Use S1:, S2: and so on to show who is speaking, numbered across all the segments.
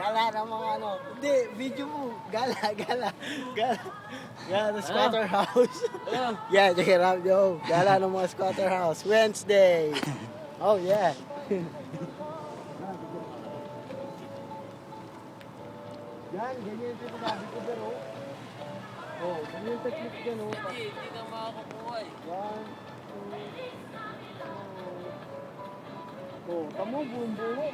S1: Gala ng mga ano. Hindi, video mo. Gala. Gala ng squatter house. Yeah, check it out, yo. Gala ng mga squatter house. Wednesday. Oh, yeah. Yan, ganyan yung sinasabi ko dyan, oh. Oh, ganyan yung technique dyan, oh.
S2: Hindi ka makakukuha eh.
S1: 1, 2, oh, tamo, buong buo.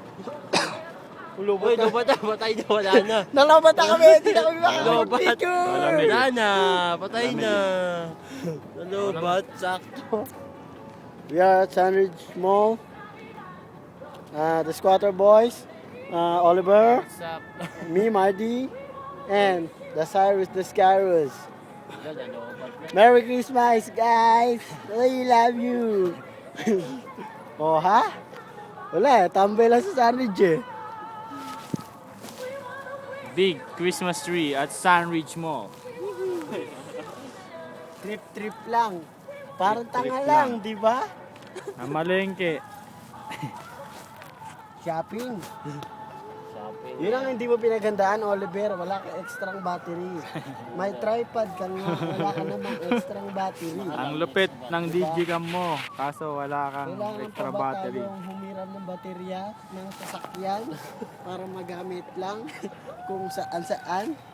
S2: Uy, lubat na, patay na, wala na.
S1: Nalabata kami, hindi na kami makakapag-picture.
S2: Wala na, patay na. Lubat, sakto.
S1: We are at Sandridge Mall. The Squatter Boys, Oliver,
S2: What's up?
S1: me, Marty, and the Cyrus the Scarus.
S2: Lubat na.
S1: Merry Christmas, guys! I love you! Oh, ha? Wala eh, tambay lang sa Sandridge eh.
S3: Big Christmas tree at Sandridge Mall.
S1: Trip lang. Parang
S3: Trip
S1: tanga
S3: lang.
S1: lang, di ba?
S3: Amalengke.
S1: Shopping.
S2: Shopping.
S1: Yun ang hindi mo pinagandaan, Oliver. Wala ka extrang battery. May tripod ka nga, wala ka namang extrang battery.
S3: Ang lupit ng digicam mo, kaso wala kang
S1: Kailangan
S3: extra
S1: pa ba
S3: battery.
S1: tayong humiram ng baterya ng sasakyan para magamit lang kung saan-saan?